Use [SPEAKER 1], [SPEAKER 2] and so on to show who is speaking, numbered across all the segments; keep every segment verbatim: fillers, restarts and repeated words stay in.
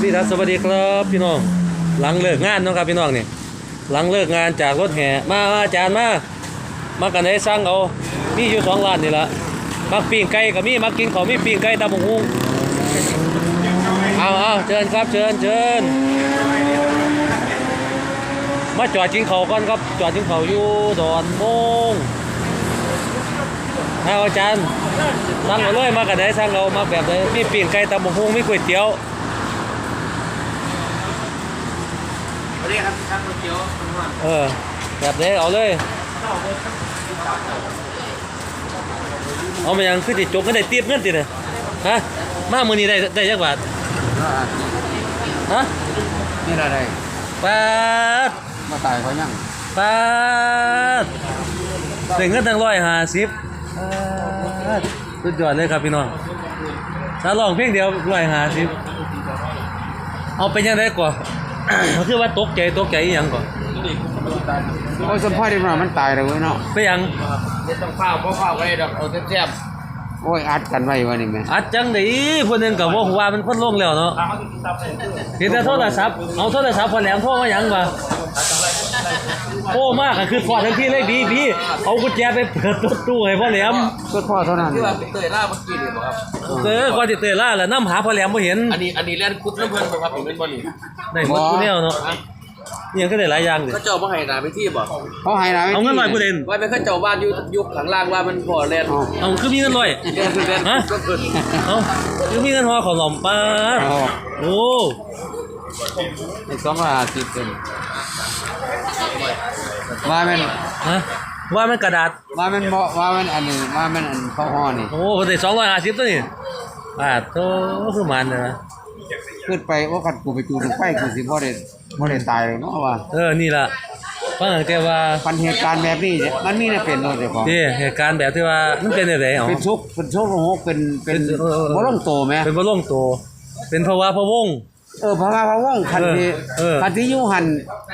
[SPEAKER 1] พี่ทัศน์สวัสดีครับพี่น้องหลังเลิกงานเนาะครับพี่น้องนี่หลังเลิกงานจากรถแห่มาอาจารย์มามากันให้สร้างเอามีอยู่สองร้านนี่ละมักปิ้งไก่กับมีมักกินของมีปิ้งไก่ตำบักหุ่งเอาเอาเชิญครับเชิญเชิญมาจอดกินเขาก่อนครับจอดกินเขาอยู่ดอนมงเอาอาจารย์สั่งเอาเลยมากันได้สั่งเอามาแบบไหนมีปิ้งไก่ตำบักหุ่งมีก๋วยเตี๋ยว
[SPEAKER 2] เรียกครับช่างก๋วยเตี๋ยว
[SPEAKER 1] เออแบบนี้เอาเลยเอามายังคือติดจกก็ได้ตีบเงินติดเลยฮะมามือนี้ได้ได้ยักบาทฮะ
[SPEAKER 2] นี่อะไร
[SPEAKER 1] ปาด
[SPEAKER 2] มาตายเขายัง
[SPEAKER 1] ปาดได้เงินตั้งร้อยห้าสิบสุดยอดเลยครับพี่น้องถ้าลองเพียงเดียวร้อยห้าสิบเอาไปยังไงก่อนเขาคือว่าตกใจตกใจยังก่อน
[SPEAKER 2] โอ้ยสมพ่อที่มันมันตายเลยเนาะ
[SPEAKER 1] ไปยัง
[SPEAKER 2] เดี๋ยวต้องเฝ้าเพราะเฝ้าก็ได้ดอกเอาแซ่บโอ้ยอัดกันไว้วันนี้ไหม
[SPEAKER 1] อัดจังดิคนหนึ่งกับว่าหัวมันพ้นลงแล้วเนาะเห็นแต่โทรศัพท์เอาโทรศัพท์พอแหลมโทรมายังวะโอ้มากอะคือฟอดทั้งที่เลยบีบีเอากุญแจไปเปิดตู้ให้พ่อแหลม
[SPEAKER 2] ก็พ่อเท่านั้น
[SPEAKER 3] ที่ว่าเตยล่าเมื่อกี้เลยครับ
[SPEAKER 1] เออก่อนจะเตยล่าแหละน้ำหาพ่อแหลมไม่เห็น
[SPEAKER 3] อันนี้อันนี้เล่นคุดน้ำเงินบ่ครับผมเป็นบอลนี่
[SPEAKER 1] ได้หมดกูเนี่ยเนาะยังก็ได้หลายอย่างเลย
[SPEAKER 3] เขาเจ้ามาให้นาไปที่บ่
[SPEAKER 2] เขาให้นา
[SPEAKER 1] เอาเงินลอยกูเด่น
[SPEAKER 3] ว่าเป็นเขาเจ้าบ้านอยู่ยุคหลังล่างว่ามันพอเล่น
[SPEAKER 1] เอาคือมีเงินลอยฮะเอาคือมีเงินห่อของหล่อมป้าโอ้
[SPEAKER 2] ไอ้สองร้อยห้าสิบเป็นว่ามัน
[SPEAKER 1] ฮะว่ามันกระดาษ
[SPEAKER 2] ว่ามันเหมาะว่ามันอันนี้ว่ามันอันข้าวห่อนี่
[SPEAKER 1] โอ้ได้สองร้อยห้าสิบตัวนี่อ่าโตคือมันนะ
[SPEAKER 2] ขึ้นไปว่าขัดกูไปจูดไฟกูสิบ่ได้บ่ได้ตายเลยเนาะว่า
[SPEAKER 1] เออนี่ล่ะฟังแต่ว่า
[SPEAKER 2] ปัญเหตุการณ์แบบนี้มันมีน่ะเป็นเนาะเจ้าของ
[SPEAKER 1] นี่เหตุการณ์แบบที่ว่ามันเป็นจังได๋อ๋อ
[SPEAKER 2] เป็นชุกเป็นชุกโลกเป็นเป็นบ่ลงโตแม่
[SPEAKER 1] เป็นบ่ลงโตเป็นภาวะพะวง
[SPEAKER 2] เออภาวะพะวงคันที่คันที่อยู่หั่น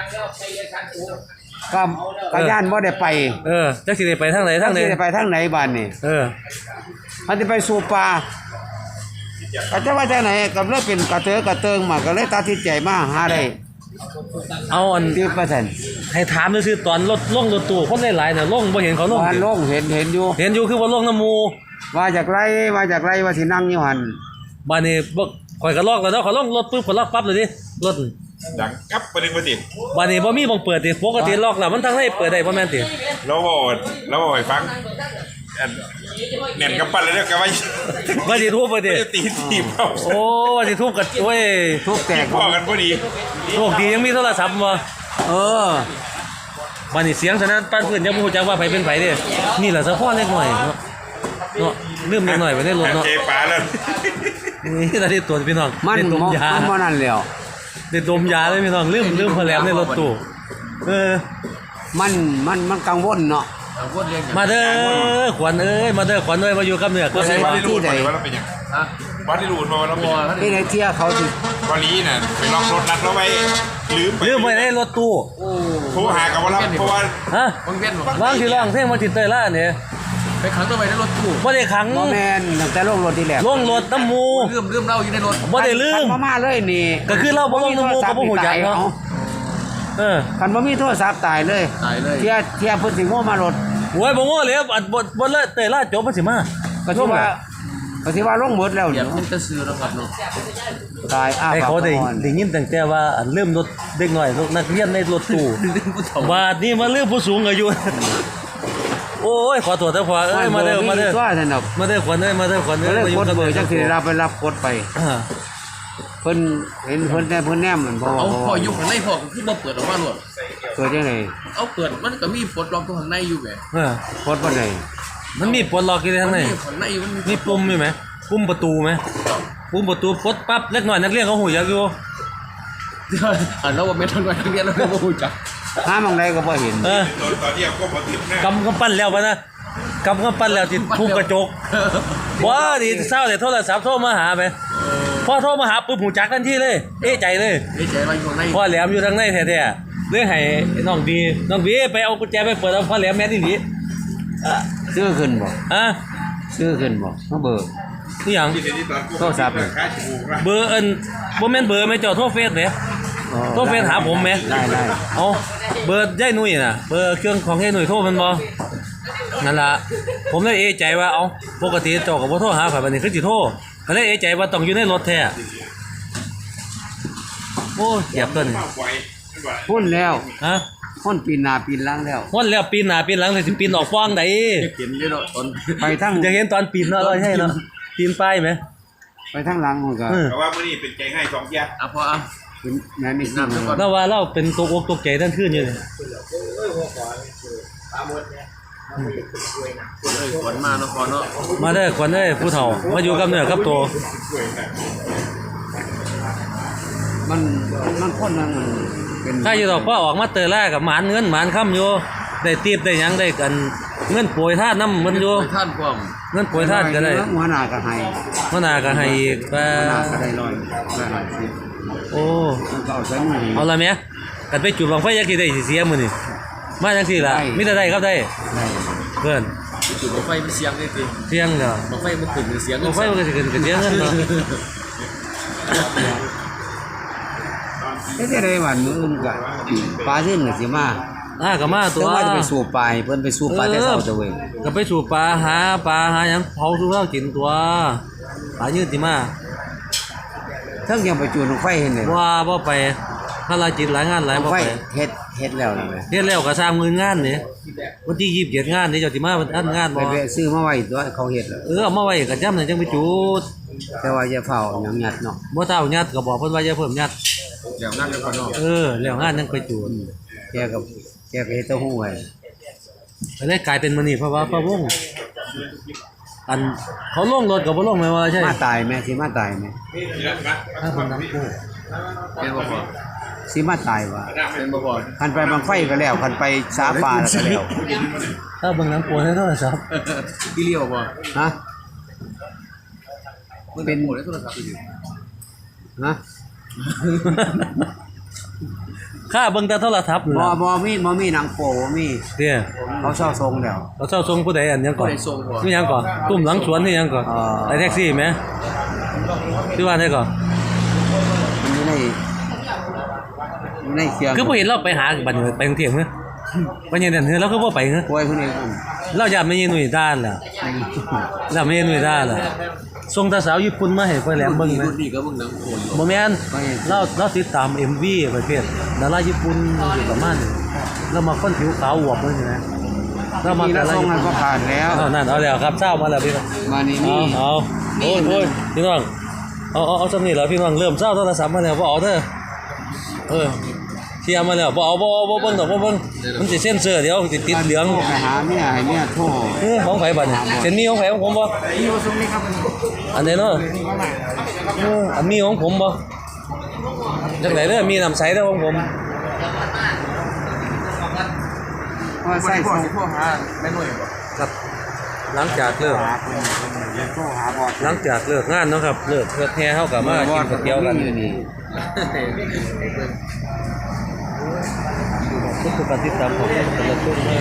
[SPEAKER 2] ก็ก็ย่านบ่ได้ไป
[SPEAKER 1] เออจักสิได้ไปทางไหนทางไหน
[SPEAKER 2] สิได้ไปทางไหนบ้านนี่
[SPEAKER 1] เออ
[SPEAKER 2] มันสิไปสู่ป่าก็จะว่าจังไหนก็เลยเป็นกระเตอกระเติงมาก็เลยตัดสินใจมาหาได้
[SPEAKER 1] เอาอัน
[SPEAKER 2] สิบเปอร์เซ็นต์
[SPEAKER 1] ให้ถามซื่อๆตอนรถลงรถตู้คนหลายๆน่ะลงบ่เห็นเขาลง
[SPEAKER 2] ลงเห็นเห็นอยู่
[SPEAKER 1] เห็นอยู่คือว่าลงน้ำหมู่
[SPEAKER 2] ว่าจากไรว่าจากไรว่าสินั่งอยู่หั่น
[SPEAKER 1] บ้านนี้บ่ข่อยก็ลอกแล้วเนาะข่อยลงรถปึ๊บข่อยลอกปั๊บเลยดิรถ
[SPEAKER 4] ดังกับไปดึงไปติด
[SPEAKER 1] บ้านนี้บ่มีบ่งเปิดติปกติล็อกแล้วมันทางไหนเปิดได้บ่แม่นติ
[SPEAKER 4] เราบอกเราบอกให้ฟังเน่นกับปั้นเลยเด้อกับว่า
[SPEAKER 1] ว่าสิทุบบ่ติ
[SPEAKER 4] ตีทีมเอา
[SPEAKER 1] โอ้ว่าสิทุบกันโอ้ย
[SPEAKER 2] ทุบแตก
[SPEAKER 4] พอกันพอดี
[SPEAKER 1] โชคดียังมีโทรศัพท์บ่
[SPEAKER 2] เออ
[SPEAKER 1] บ้านนี้เสียงฉะนั้นป้านเพิ่นยังบ่ฮู้จักว่าไผเป็นไผเด้นี่ล่ะสะพอเล็กน้อยเนาะเนาะลืมเล็กน้อยไว้ในรถเนาะ
[SPEAKER 4] เจปาแล้ว
[SPEAKER 1] นี่ตาที่ตัวพี่น้อง
[SPEAKER 2] มันดมยามันบ่นั่นแล้ว
[SPEAKER 1] ได้ดมยาเลยพี่น้องลืมลืมพอแหลมในรถตู้เออ
[SPEAKER 2] มันมันมันกังวลเนาะ
[SPEAKER 1] มาเด้อขวัญเอ้ยมาเด้อขวัญเอ้ยมาอยู่กับเนื้อก็
[SPEAKER 4] ใช่วัดที่รูดมาว่าเราเป็นยังวัดที่รูดมาว่าเราเป็นยัง
[SPEAKER 2] ที่ไหนเที่ยเขาสิ
[SPEAKER 4] วันนี้น่ะไปลองรถนัดเราไว้ลืม
[SPEAKER 1] ลืมไว้ในรถตู้
[SPEAKER 4] โทรหากับว่าเราเพราะว่า
[SPEAKER 1] ฮะวางที่ร่องเท่งมาติดเตยล่าเนี่ย
[SPEAKER 3] ไปขังตัวไปในรถตู้
[SPEAKER 1] บ่ได้ขัง
[SPEAKER 2] บ่แม่นตั้งแต่ลงรถที่แรก
[SPEAKER 1] ลงรถน้ำมู
[SPEAKER 3] ลืมลืมเราอยู่ในรถ
[SPEAKER 1] บ่ได้ลืม
[SPEAKER 2] มาเลยนี่
[SPEAKER 1] ก็คือเราบ่ลงน้ำมูก็บ่ฮู้จักเนาะเออ
[SPEAKER 2] คันบ่มีโทรศัพท์ตายเลย
[SPEAKER 3] ตายเลย
[SPEAKER 2] เที่ยเที่ยเพิ่นสิโง่มารถ
[SPEAKER 1] โอ้ยบ่โง่เลยอัดบ่บ่เลยเตยล่าจบมันสิมา
[SPEAKER 2] ก็สิว่าก็สิว่าลงหมดแล้ว
[SPEAKER 3] เดี๋ยวมันจะซื้อแล้วครับเนาะ
[SPEAKER 2] ตายอ้าว
[SPEAKER 1] เขาได้ได้ยินตั้งแต่ว่าอันลืมรถเด็กน้อยนักเรียนในรถตู้บาดนี้มาลืมผู้สูงอายุโอ้ยขอตัวเถอะพ่อเอ้ยมาเด้อมาเด้อมาเด้อขวัญเอ้ยมาเด้อขวัญเอ้ย
[SPEAKER 2] มาอยู่กับเบอร์จังสิรับไปรับกดไปเพิ่นเห็นเพิ่นแต่เพิ่นแนมเหมือนพ่อ
[SPEAKER 3] เอาพ่ออยู่ข้างในพ่อก็คือบ่เปิดออกมาหรอก
[SPEAKER 2] เปิดจังได๋
[SPEAKER 3] เอาเปิดมันก็มีปลดล็อกข้างในอยู่แหม
[SPEAKER 1] เออ
[SPEAKER 2] ปลดบ่ได้
[SPEAKER 1] มันมีปลดล็อกอยู่ข้างใน
[SPEAKER 3] ข้างในมัน
[SPEAKER 1] มีปุ่มมีมั้ยปุ่มประตูมั้ยปุ่มประตูปลดปั๊บเล็กน้อยนักเรียนเขาหูจักอยู่
[SPEAKER 3] อันเราว่าแม่นนักเรียนเราบ่ฮู้จัก
[SPEAKER 2] หาหม่องใดก็บ่เห็น
[SPEAKER 1] เออ
[SPEAKER 4] ตอนนี้ก็บ่ติดนะ
[SPEAKER 1] กำกำปั้นแล้วป่ะนะกำกำปั้นแล้วติดทุบกระจกบ่ดิเศร้าแต่โทรศัพท์โทรมาหาไปพอโทรมาหาปุ๊บหูจักทันทีเลยเอ๊ะใจเลย
[SPEAKER 3] เอ๊ะใจว่าอยู่ข้างใน
[SPEAKER 1] พ่อแหลมอยู่ทางในแท้ๆเรื่องให้น้องบีน้องบีไปเอากุญแจไปเปิดเอาพ่อแหลมแม่นอีหลี
[SPEAKER 2] ซื้อขึ้นบ่
[SPEAKER 1] ฮะ
[SPEAKER 2] ซื้อขึ้นบ่มาเบิก
[SPEAKER 1] นี่หยัง
[SPEAKER 2] โทรศัพท์
[SPEAKER 1] เบอร์อันบ่แม่นเบอร์แม่เจ้าโทรเฟซเด้โทรเฟซหาผมแหม
[SPEAKER 2] ได้ได้
[SPEAKER 1] เอาเบอร์ยายหนุ่ยน่ะเบอร์เครื่องของยายหนุ่ยโทรมันบ่นั่นล่ะผมเลยเอะใจว่าเอ้าปกติเจ้าก็บ่โทรหาข่อยบัดนี้คือสิโทรก็เลยเอะใจว่าต้องอยู่ในรถแท้โอ้เจ็บตัวนี้
[SPEAKER 2] พุ่นแล้ว
[SPEAKER 1] ฮะ
[SPEAKER 2] พุ่นปีนหน้าปีนหลังแล้ว
[SPEAKER 1] วันแล้วปีนหน้าปีนหลังสิปีนออกฟ้องได้
[SPEAKER 3] เห็นเลยเนาะตอน
[SPEAKER 2] ไปทั้ง
[SPEAKER 1] จะเห็นตอนปีนเนาะเราใช่เนาะปีนป้ายไหม
[SPEAKER 2] ไปทั้งหลังมันก็
[SPEAKER 1] เออ
[SPEAKER 4] เพราะว่ามื่อนี้เป็นใจให้สองเที่ย
[SPEAKER 3] อ่ะพออ่ะ
[SPEAKER 2] เป็นแม่นี่สิ
[SPEAKER 3] น้ำซะก่อน
[SPEAKER 1] แล้วว่าเราเป็นตัวอกตัวใจท่านขึ้นอยู่เลย
[SPEAKER 3] เลยขวัญมาเนาะพอเนาะ
[SPEAKER 1] มาได้อควันได้อผู้เฒ่ามาอยู่กับเนื้อกับตัว
[SPEAKER 2] มันมันคนนั้นมันเป็น
[SPEAKER 1] ถ้าอยู่ดอกพ่อออกมาเตอแรกกับหมานเงินหมานค่ำอยู่ได้ตีบได้หยังได้กันเงินป่วยท่าน้ำมันอยู่
[SPEAKER 3] ไปท่านความ
[SPEAKER 1] เงินป่วยท่านก็ได้
[SPEAKER 2] หัวหน้าก็ให้
[SPEAKER 1] มะนาวก็ให้อีกแป
[SPEAKER 2] หัวหน้าก็ได้ร้อยร้อยห้าสิบ
[SPEAKER 1] โอ้
[SPEAKER 2] มันก็เอาใส่มือ
[SPEAKER 1] เอาละแม่กันไปจุดบังไฟยักษ์ที่ได้สิเสียมื้อนี่มาจังซี่ล่ะมีแต่ได้ครับได้
[SPEAKER 2] ได้
[SPEAKER 1] เพิ่น
[SPEAKER 3] จุดบังไฟมันเสียงเลยสิ
[SPEAKER 1] เสียงเด้อ
[SPEAKER 3] บังไฟมันขึ้นเสียง
[SPEAKER 1] บังไฟมันก็สิขึ้นก็เสียเงินเนาะ
[SPEAKER 2] เฮ็ดได้วันมื้ออื่นก็ปลาขึ้นก็สิมา
[SPEAKER 1] อ่าก็มาตั
[SPEAKER 2] แต่
[SPEAKER 1] ว
[SPEAKER 2] ว่าจะไปสู่ปลาให้เพิ่นไปสู่ปลาแต่เช้าตะเว้ย
[SPEAKER 1] ก็ไปสู่ปลาหาปลาหาหยังเผาสู่เรากินตัวปลายืดสิมา
[SPEAKER 2] ทั้งยังไปจูนไฟเห็นเลย
[SPEAKER 1] ว่าบ่ไปภารกิจหลายงานหลายบ่
[SPEAKER 2] ไฟ
[SPEAKER 1] ไป
[SPEAKER 2] เฮ็ดเฮ็ดแล้วนั่นแหละ
[SPEAKER 1] เฮ็ดแล้วก็สร้างมืองานนี่วันที่ยี่สิบเจ็ดงานนี่เจ้าสิมาอันงาน
[SPEAKER 2] ไป
[SPEAKER 1] บ่
[SPEAKER 2] แวะซื้อมาไว้ตัวเขาเฮ็ดแล้ว
[SPEAKER 1] เออเอามาไว้ก็ย่ำนั่นจังไปจุด
[SPEAKER 2] แต่ว่าอย่าเผาหยังยัดเนาะ
[SPEAKER 1] บ่เท่ายัดก็บอกเพิ่นว่าอย่าเพิ่มยัด
[SPEAKER 3] เดี๋ยวนั่งกันพอเนาะ
[SPEAKER 1] เออแล้วงานยังไปจุด
[SPEAKER 2] แกกับแกก็เฮ็ดเต้าหู้ไว้
[SPEAKER 1] ก็เลยกลายเป็นมื้อนี้เพราะว่าพระวงศ์อันเขาลงรถก็บ่ลงแม่ว่าใช่
[SPEAKER 2] มาตายแม่สิมาตายแม่
[SPEAKER 1] ถ้าเพิ่นนำกู้
[SPEAKER 3] เป็นบ่พอ
[SPEAKER 2] สิมาตายว่า
[SPEAKER 3] เป็นบ่พอ
[SPEAKER 2] คันไปบางไฟก็แล้วคันไปสาปลาแล้วก็แล้ว
[SPEAKER 1] ถ้าเบิ่งหนังโปให้โทรศัพท์
[SPEAKER 3] ที่เลี้ยวบ่
[SPEAKER 2] ฮะ
[SPEAKER 3] มันเป็นหมดได้โทรศัพท์อยู่
[SPEAKER 2] ฮะ
[SPEAKER 1] ค่าเบิ่งแต่โทรศัพท์นี่
[SPEAKER 2] บ่
[SPEAKER 1] ล่ะ
[SPEAKER 2] บ่มีบ่มีหนังโปบ่มี
[SPEAKER 1] เด้อ
[SPEAKER 2] เขาเช่าทรงแล้ว
[SPEAKER 1] เราเจ้าทรงผู้ใดอันหยังก่อน
[SPEAKER 3] ได้ส่งบ่
[SPEAKER 1] นี่หยังก่อนตุ้มหลังสวนนี่หยังก่อน
[SPEAKER 2] อ่า
[SPEAKER 1] ไอ้แท็กซี่ไหมชื่อว่าได้ก่อน
[SPEAKER 2] มันอยู่ในอยู่ในเครื่อง
[SPEAKER 1] คือบ่เห็นเราไปหาบัดนี้ไปกรุงเทพมั้ยไปยังนั่นเฮ้ยเราก็บ่ไปเฮ้ย
[SPEAKER 2] ป่วยคนนี้มัน
[SPEAKER 1] เราอยากไม่ยินหนุ่ยด้านล่ะเราไม่ยินหนุ่ยด้านล่ะส่งตาสาวญี่ปุ่นมาให้ไปแหลมเบิ่งไหม
[SPEAKER 3] รุ่นนี้ก็เบิ่งหนังโขนอยู่
[SPEAKER 1] บ่แม่นเราเราติดตาม เอ็ม วี ประเภทดาราญี่ปุ่นอยู่ประมาณนี้เรามาคนผิวขาวอวบเลยนะเรามา
[SPEAKER 2] มี
[SPEAKER 1] ดา
[SPEAKER 2] ละ
[SPEAKER 1] รา
[SPEAKER 2] ทรง
[SPEAKER 1] ญี่
[SPEAKER 2] มั
[SPEAKER 1] ปุ่
[SPEAKER 2] น
[SPEAKER 1] น
[SPEAKER 2] ก็ผ่านแล้ว
[SPEAKER 1] เอานั่นเอาแล้วครับเช้ามาแล้วพี่น้อง
[SPEAKER 2] มานี่
[SPEAKER 1] เอา
[SPEAKER 2] นี่
[SPEAKER 1] เอาโอ้ยโอ้ยพี่น้องเอาเอาเอาสำนี่แล้วพี่น้องเริ่มเช้าโทรศัพท์มาแล้วบ่เอาเด้อเออเทียมมาแล้วบ่เอาบ่เอาบ่เบิ่งดอกบ่เบิ่งมันสิเซ็นเซอร์เดี๋ยวสิติดเหลือง
[SPEAKER 2] โทรไปหาเมียให้เมียโทร
[SPEAKER 1] เออของไผบัดนี่เซ็นมีของไผของผมบ่
[SPEAKER 2] นี่ว่าซุมนี้ครับ
[SPEAKER 1] อันไหนเนาะเอออันมีของผมบ่จังไดเด้อมีน้ำใสเด้อของผม
[SPEAKER 2] ว่าใส่ส่ง
[SPEAKER 3] พวกหาแม่หน่วยบ่
[SPEAKER 1] ครับหลังจากเลิก
[SPEAKER 2] หาเพิ่นโทรหาบอด
[SPEAKER 1] หลังจากเลิกงานเนาะครับเลิกเพื่อแท้เฮาก็มากินก๋วยเตี๋ยวกัน
[SPEAKER 2] อยู่นี่
[SPEAKER 1] ทุกคนติดตามของแต่ละช่วงนะ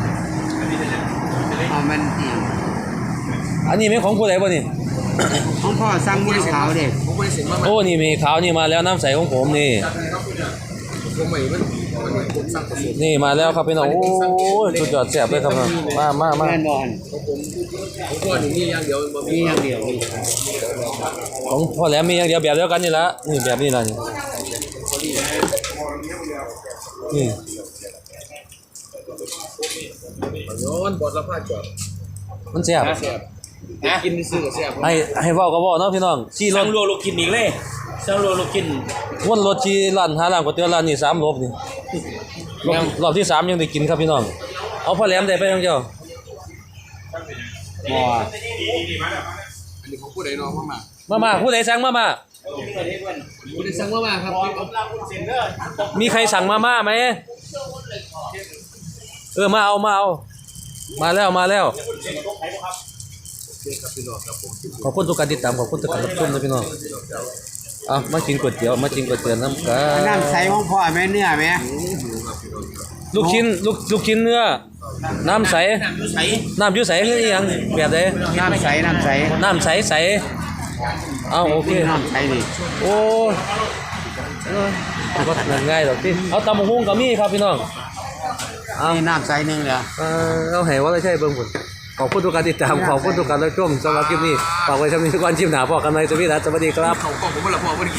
[SPEAKER 2] เอามันจริง
[SPEAKER 1] อันนี้แม่ของผู้ใดบ่นี่
[SPEAKER 2] ของพ่อสั่งมือขาวเด้
[SPEAKER 3] ผมบ่ได้เซ็นมา
[SPEAKER 1] โอ้นี่มีขาวนี่มาแล้วน้ำใสของผมนี่
[SPEAKER 3] ผมใหม่มันมันผมสั่งผสม
[SPEAKER 1] นี่มาแล้วครับพี่น้องโอ้ยสุดยอดแซ่บเลยครับมามามา
[SPEAKER 2] แม่นบ่อน
[SPEAKER 3] ผมก็นี่มีอย่างเดียวบ่
[SPEAKER 2] มี
[SPEAKER 3] มี
[SPEAKER 2] อย่างเดียวนี่
[SPEAKER 1] ของพ่อแหลมมีอย่างเดียวแบบเดียวกันนี่ละนี่แบบนี้ล่ะนี่นี่
[SPEAKER 3] ย้อนบอดละผ้าจอด
[SPEAKER 1] มันแซ่บ
[SPEAKER 3] แซ่บกินซื้อก็แซ่บ
[SPEAKER 1] ให้ให้เว้าก็เว้าเนาะพี่น้องขี่ร
[SPEAKER 5] สั่
[SPEAKER 1] ถ
[SPEAKER 5] งรัวลูกกินอีกเลยสั่งรัวลูกกิน
[SPEAKER 1] วนรถขี่ร้านหาร้านก๋วยเตี๋ยวร้านนี้สามรอบนี่รอบรอบที่สามยังได้กินครับพี่น้องเอาพ่อแหลมได้ไปยังเจ้า
[SPEAKER 2] บ่
[SPEAKER 3] อันนี้ของผู้ใดเนาะมา
[SPEAKER 1] มามาผู้ใดสั่งมามา
[SPEAKER 3] ผู้ใดสั่งมามาครับ
[SPEAKER 1] มีใครสั่งมาม่าไหมเออมาเอามาเอามาแล้วมาแล้วขอบคุณทุกการติดตามขอบคุณทุกการรับชมนะพี่น้องเอามากินก๋วยเตี๋ยวมากินก๋วยเตี๋ยวน้ำกั
[SPEAKER 2] อัน
[SPEAKER 1] น
[SPEAKER 2] น้ำใสของพ่อแม่เนื้อแม่
[SPEAKER 1] ลูกชิ้นลูกลูกชิ้นเนื้อน้ำใส
[SPEAKER 3] ใส่
[SPEAKER 1] น้ำอยุ่ใสคืออหยังแบบใด
[SPEAKER 2] น้ำใสน้ำใส
[SPEAKER 1] น้ำใสใสเอาโอเค
[SPEAKER 2] น้ำใสนี่
[SPEAKER 1] โอ้ยเออก็ง่ายดอกที่เอาตำบักหุ่งกับมี่ครับพี่น้อง
[SPEAKER 2] นี่น้ำใสหนึงเลย
[SPEAKER 1] เออเอาให้ว่าไม่ใช่เบิ่งผลขอบคุณทุกการติดตามขอบคุณทุกการรับชมสำหรับคลิปนี้ฝากไว้ทำนี้ทุกวันชิมหนาพอกันในสวีดัสสวัสดีครับ
[SPEAKER 3] เขากล่องผมไม่ละพอวันนี้